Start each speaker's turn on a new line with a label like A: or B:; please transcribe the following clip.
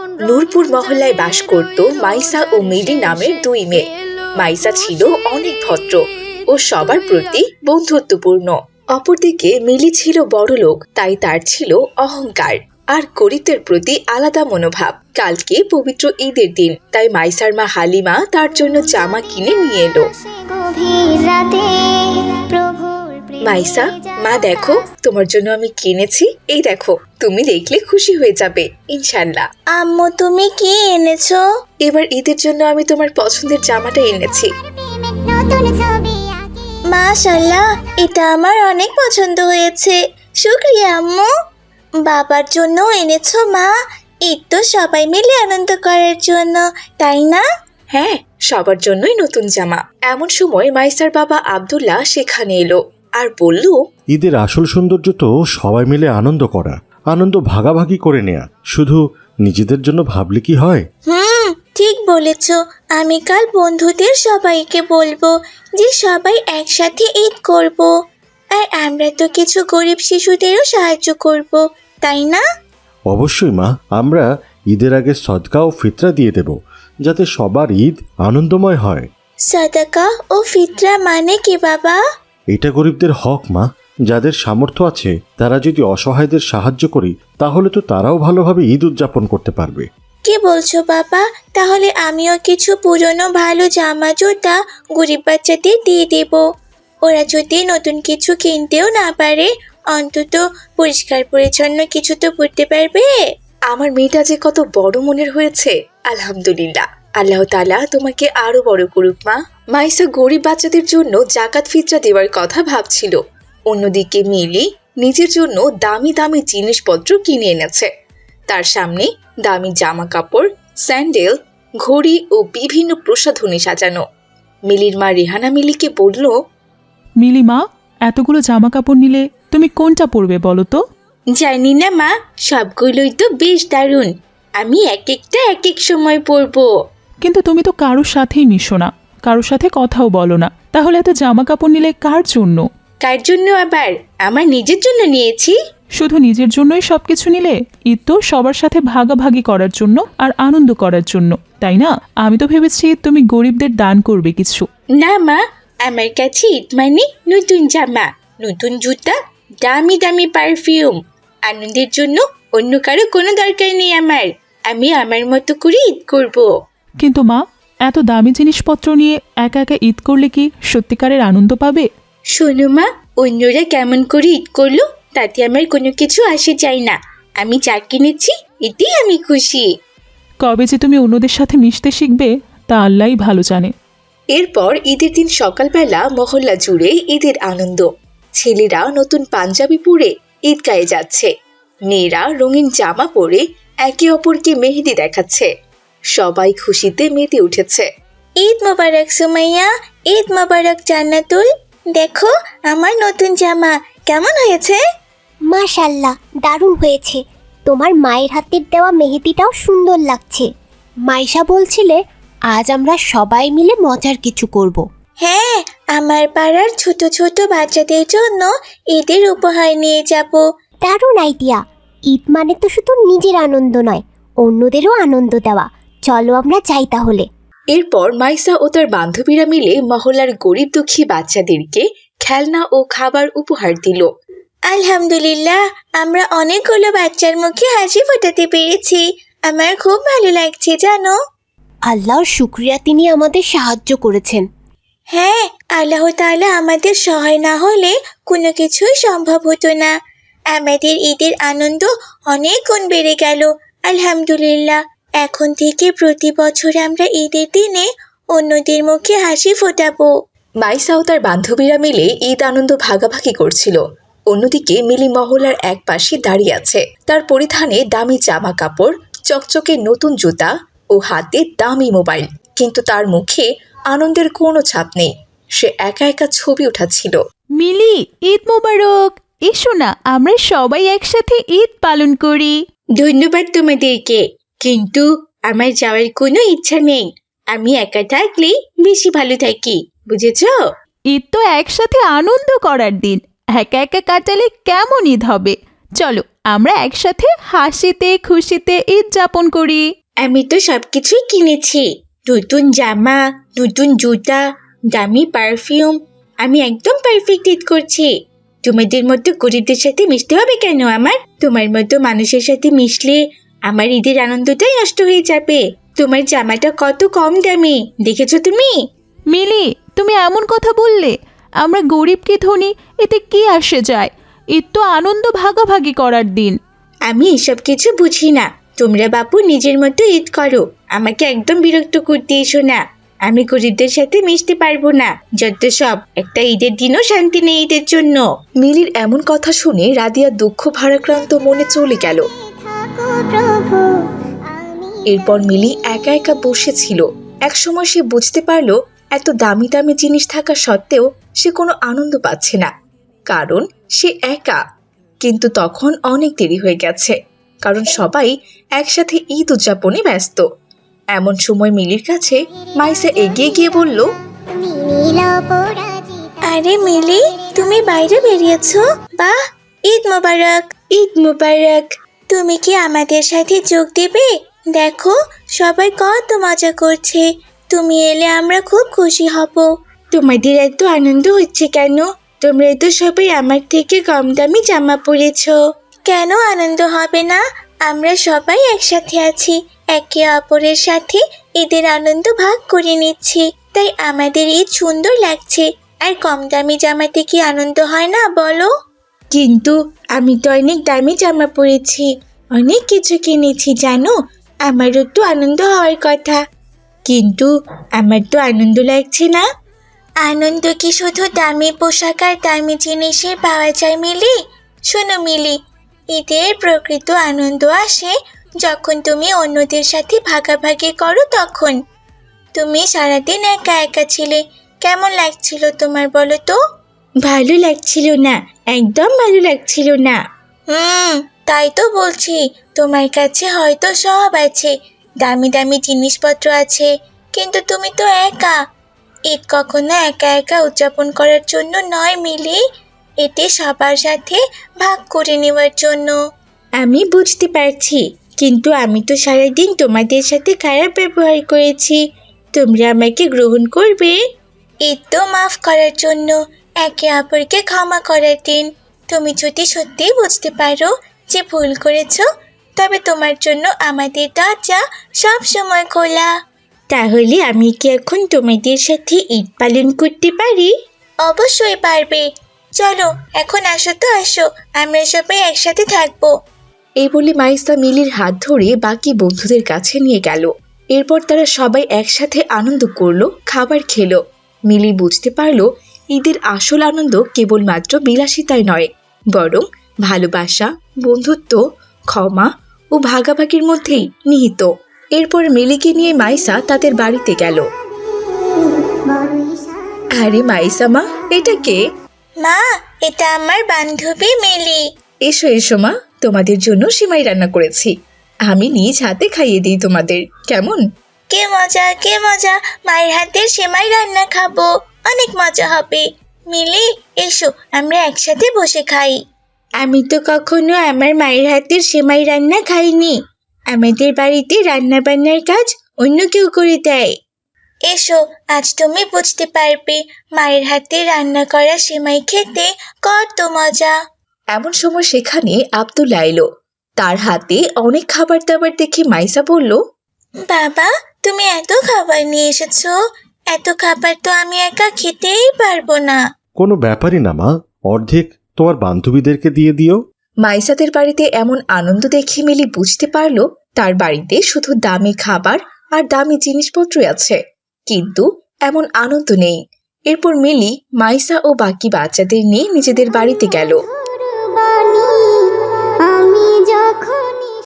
A: নূরপুর মহল্লায় বাস করত মাইসা ও মিলি নামের দুই মেয়ে। মাইসা ছিল অনেক ভদ্র ও সবার প্রতি বন্ধুত্বপূর্ণ। অপরদিকে মিলি ছিল বড়লোক, তাই তার ছিল অহংকার আর গরিবদের প্রতি আলাদা মনোভাব। কালকে পবিত্র ঈদের দিন, তাই মাইসার মা হালিমা তার জন্য জামা কিনে নিয়ে এলো। মাইসা, মা দেখো, তোমার জন্য আমি কিনেছি, এই দেখো, তুমি দেখলে খুশি হয়ে যাবে ইনশাল্লাহ।
B: আম্মু, তুমি কি এনেছো?
A: এবার ঈদের জন্য আমি তোমার পছন্দের জামাটা এনেছি।
B: মাশাআল্লাহ, এটা আমার অনেক পছন্দ হয়েছে, শুকরিয়া আম্মু। বাবার জন্য এনেছো মা? ঈদ তো সবাই মিলে আনন্দ করার জন্য, তাই না?
A: হ্যাঁ, সবার জন্যই নতুন জামা। এমন সময় মাইসার বাবা আব্দুল্লাহ সেখানে এলো আর বলল,
C: ঈদের আসল সৌন্দর্য তো সবাই মিলে আনন্দ করা, আনন্দ ভাগাভাগি করে নেয়া। শুধু নিজেদের জন্য ভাবলে কি হয়?
B: ঠিক বলেছ। আমি কাল বন্ধুদের সবাইকে বলবো যে সবাই একসাথে ঈদ করব। আর আমরা তো কিছু গরিব শিশুদেরও সাহায্য করব, তাই না?
C: অবশ্যই মা, আমরা ঈদের আগে সদকা ও ফিতরা দিয়ে দেব, যাতে সবার ঈদ আনন্দময় হয়।
B: সাদাকা ও ফিতরা মানে কি বাবা?
C: এটা গরিবদের হক মা। যাদের সামর্থ্য আছে তারা যদি অসহায়দের সাহায্য করি, তাহলে তো তারাও ভালোভাবে ঈদ উদযাপন করতে পারবে।
B: কি বলছো বাবা? তাহলে আমিও কিছু পুরনো ভালো জামা জুতা গরিব বাচ্চাদের দিয়ে দেব। ওরা যদি নতুন কিছু কিনতেও না পারে, অন্তত পরিষ্কার পরিচ্ছন্ন কিছু তো পরতে পারবে।
A: আমার মেয়েটা যে কত বড় মনের হয়েছে, আলহামদুলিল্লাহ। আল্লাহ তাআলা তোমাকে আরো বড় করুক মা। মাইসা গরিব বাচ্চাদের জন্য জাকাত ফিতরা দেওয়ার কথা ভাবছিল। অন্যদিকে মিলি নিজের জন্য দামি দামি জিনিসপত্র কিনে এনেছে। তার সামনে দামি জামা কাপড়, স্যান্ডেল, ঘড়ি ও বিভিন্ন প্রসাধনী সাজানো। মিলির মা রেহানা মিলিকে বলল,
D: মিলি মা, এতগুলো জামা কাপড় নিলে তুমি কোনটা পরবে বলো তো?
B: জানি না মা, সবগুলোই তো বেশ দারুণ। আমি এক একটা এক এক সময় পরবো।
D: কিন্তু তুমি তো কারোর সাথেই মিশো না, কারোর সাথে কথাও বলো না, তাহলে এত জামা কাপড় নিলে কার জন্য?
B: কার জন্য আবার? আমার নিজের জন্য নিয়েছি।
D: শুধু নিজের জন্যই সবকিছু নিলে? ঈদ তো সবার সাথে ভাগাভাগি করার জন্য আর আনন্দ করার জন্য, তাই না? আমি তো ভেবেছি তুমি গরিবদের দান করবে কিছু।
B: না মা, আমার কাছে ঈদ মানে নতুন জামা, নতুন জুতা, দামি দামি পারফিউম। আনন্দের জন্য অন্য কারো কোনো দরকার নেই আমার। আমি আমার মতো করে ঈদ করব।
D: কিন্তু মা, এত দামি জিনিসপত্র নিয়ে একা একা ঈদ করলে কি সত্যিকারের আনন্দ পাবে?
B: শোনো মা, অন্যরা কেমন করে ঈদ করলো তাতে আমার কোনো কিছু আসে যায় না। আমি যা কিনেছি এতেই আমি খুশি।
D: কবে যে তুমি অন্যদের সাথে মিশতে শিখবে তা আল্লাহই ভালো জানে।
A: এরপর ঈদের দিন সকালবেলা মহল্লা জুড়ে ঈদের আনন্দ। ছেলেরা নতুন পাঞ্জাবি পরে ঈদগাহে যাচ্ছে, মেয়েরা রঙিন জামা পরে একে অপরকে মেহেদি দেখাচ্ছে। সবাই খুশিতে মেতে উঠেছে।
B: ঈদ মোবারক সুমাইয়া, ঈদ মোবারক জান্নাতুল। দেখো আমার নতুন জামা কেমন হয়েছে?
E: মাশাল্লাহ, দারুণ হয়েছে। তোমার মায়ের হাতের দেওয়া মেহেদিটাও সুন্দর লাগছে। মাইশা বলছিলে আজ আমরা সবাই মিলে মজার কিছু করব।
B: হ্যাঁ, আমার পাড়ার ছোট ছোট বাচ্চাদের জন্য ঈদের উপহার নিয়ে যাব।
E: দারুণ আইডিয়া। ঈদ মানে তো শুধু নিজের আনন্দ নয়, অন্যদেরও আনন্দ দেওয়া। চলো আমরা যাই তাহলে।
A: এরপর মাইসা ও তার বান্ধবীরা মিলে মহল্লার গরিব দুঃখী বাচ্চাদেরকে খেলনা ও খাবার উপহার দিল।
B: আলহামদুলিল্লাহ, আমরা অনেকগুলো বাচ্চার মুখে হাসি ফোটাতে পেরেছি। আমার খুব ভালো লাগছে জানো।
E: আল্লাহর শুকরিয়া, তিনি আমাদের সাহায্য করেছেন।
B: হ্যাঁ, আল্লাহ তাআলা আমাদের সহায় না হলে কোনো কিছুই সম্ভব হতো না। আমাদের ঈদের আনন্দ অনেক গুণ বেড়ে গেল। আলহামদুলিল্লাহ, এখন থেকে প্রতি বছর আমরা ঈদের দিনে অন্যদের মুখে হাসি ফোটাবো।
A: মাইসা ও তার বান্ধবীরা মিলে ঈদ আনন্দ ভাগাভাগি করছিল। অন্যদিকে মিলি মহল্লার এক পাশে দাঁড়িয়ে আছে। তার পরিধানে দামি জামা কাপড়, চকচকে নতুন জুতা ও হাতে দামি মোবাইল, কিন্তু তার মুখে আনন্দের কোনো ছাপ নেই। সে একা একা ছবি উঠাচ্ছিল।
F: মিলি, ঈদ মোবারক। এসো না, আমরা সবাই একসাথে ঈদ পালন করি।
B: ধন্যবাদ তোমাদেরকে, কিন্তু আমার যাওয়ার কোনো ইচ্ছা নেই। আমি একা থাকলেই বেশি ভালো থাকি, বুঝেছো?
F: ঈদ তো একসাথে আনন্দ করার দিন, একা একা কাটালে কেমন ঈদ হবে? চলো আমরা একসাথে হাসিতে খুশিতে ঈদ যাপন করি।
B: আমি তো সবকিছুই কিনেছি, নতুন জামা, নতুন জুতা, দামি পারফিউম। আমি একদম পারফেক্ট ঈদ করছি। তোমাদের মতো গরিবদের সাথে মিশতে হবে কেন আমার? তোমার মতো মানুষের সাথে মিশলে আমার ঈদের আনন্দটাই নষ্ট হয়ে যাবে। তোমার জামাটা কত কম দামি, দেখেছো তুমি?
F: মিলি, তুমি এমন কথা বললে? আমরা গরিব কি ধনী এতে কি আসে যায়? ঈদ তো আনন্দ ভাগাভাগি করার দিন।
B: আমি এসব কিছু বুঝি না। তোমরা বাপু নিজের মতো ঈদ করো, আমাকে একদম বিরক্ত করতে এসো না। আমি গরিবদের সাথে মিশতে পারবো না, যত সব। একটা ঈদের দিনও শান্তি নেই ঈদের জন্য।
A: মিলির এমন কথা শুনে রাদিয়া দুঃখ ভারাক্রান্ত মনে চলে গেল। এরপর মিলি একা একা বসেছিল। একসময় সে বুঝতে পারলো এত দামি দামি জিনিস থাকা সত্ত্বেও সে কোনো আনন্দ পাচ্ছে না, কারণ সে একা। কিন্তু তখন অনেক দেরি হয়ে গেছে, কারণ সবাই একসাথে ঈদ উদযাপনে ব্যস্ত। এমন সময় মিলির কাছে মাইসা এগিয়ে গিয়ে বলল,
B: আরে মিলি, তুমি বাইরে বেরিয়েছো? বাহ, ঈদ মোবারক। ঈদ মোবারক। তুমি কি আমাদের সাথে যোগ দেবে? দেখো সবাই কত মজা করছে। তুমি এলে আমরা খুব খুশি হব। তোমাদের এত আনন্দ হচ্ছে কেন? তোমরা তো সবাই আমার থেকে কম দামি জামা পরেছো। কেন আনন্দ হবে না? আমরা সবাই একসাথে আছি, একে অপরের সাথে ঈদের আনন্দ ভাগ করে নিচ্ছি, তাই আমাদের ঈদ সুন্দর লাগছে। আর কম দামি জামাতে কি আনন্দ হয় না বলো? কিন্তু আমি তো অনেক দামি জামা পরেছি, অনেক কিছু কিনেছি জানো। আমারও তো আনন্দ হওয়ার কথা, কিন্তু আমার তো আনন্দ লাগছে না। আনন্দ কি শুধু দামি পোশাক আর দামি জিনিসে পাওয়া যায় মিলি? শোনো মিলি, ঈদের প্রকৃত আনন্দ আসে যখন তুমি অন্যদের সাথে ভাগাভাগি করো। তখন তুমি সারাদিন একা একা ছিলে, কেমন লাগছিল তোমার বলো তো? ভালো লাগছিল না, একদম ভালো লাগছিল না। তাই তো বলছি, তোমার কাছে হয়তো সব আছে, দামি দামি জিনিসপত্র আছে, কিন্তু তুমি তো একা। ঈদ কখনো একা একা উদযাপন করার জন্য নয় মিলি, এতে সবার সাথে ভাগ করে নেওয়ার জন্য। আমি বুঝতে পারছি, কিন্তু আমি তো সারাদিন তোমাদের সাথে খারাপ ব্যবহার করেছি। তোমরা আমাকে গ্রহণ করবে? ঈদ তো মাফ করার জন্য, একে অপরকে ক্ষমা করার দিন। তুমি যদি সত্যিই বুঝতে পারো যে ভুল করেছো, তবে তোমার জন্য আমাদের দরজা সব সময় খোলা। তাহলে আমি কি এখন তোমাদের সাথে ঈদ পালন করতে পারি? অবশ্যই পারবে। চলো এখন আসো তো, আসো, আমরা সবাই একসাথে থাকবো।
A: এই বলে মাইসা মিলির হাত ধরে বাকি বন্ধুদের কাছে নিয়ে গেল। এরপর তারা সবাই একসাথে আনন্দ করলো, খাবার খেলো। মিলি বুঝতে পারলো ঈদের আসল আনন্দ কেবলমাত্র বিলাসিতায় নয়, বরং ভালোবাসা, বন্ধুত্ব, ক্ষমা ও ভাগাভাগির মধ্যেই নিহিত। এরপর মিলিকে নিয়ে মাইসা তাদের বাড়িতে গেল। আরে মাইসা মা, এটা কে?
B: মা, এটা আমার বান্ধবী মিলি।
A: এসো এসো মা, তোমাদের জন্য সিমাই রান্না করেছি। আমি নিজ হাতে খাইয়ে দিই তোমাদের, কেমন?
B: কে মজা, কে মজা, মায়ের হাতের সেমাই রান্না খাবো, অনেক মজা হবে। মিলি, এসো আমরা একসাথে বসে খাই। আমি তো কখনো আমার মায়ের হাতের সেমাই রান্না খাইনি। আমাদের বাড়িতে রান্না বান্নার কাজ অন্য কেউ করে দেয়। এসো, আজ তুমি বুঝতে পারবে মায়ের হাতে রান্না করা সেমাই খেতে কত মজা।
A: এমন সময় সেখানে আব্দুল্লাহ এলো। তার হাতে অনেক খাবার দাবার দেখে মাইসা বলল,
B: বাবা, তুমি এত খাবার নিয়ে এসেছো, এত খাবার তো আমি একা খেতেই পারবো না।
C: কোনো ব্যাপারই না মা, অর্ধেক তোমার বান্ধবীদেরকে দিয়ে দিও।
A: মাইসাদের বাড়িতে এমন আনন্দ দেখে মিলি বুঝতে পারলো তার বাড়িতে শুধু দামি খাবার আর দামি জিনিসপত্রই আছে, কিন্তু এমন আনন্দ নেই। এরপর মিলি মাইসা ও বাকি বাচ্চাদের নিয়ে নিজেদের বাড়িতে গেল।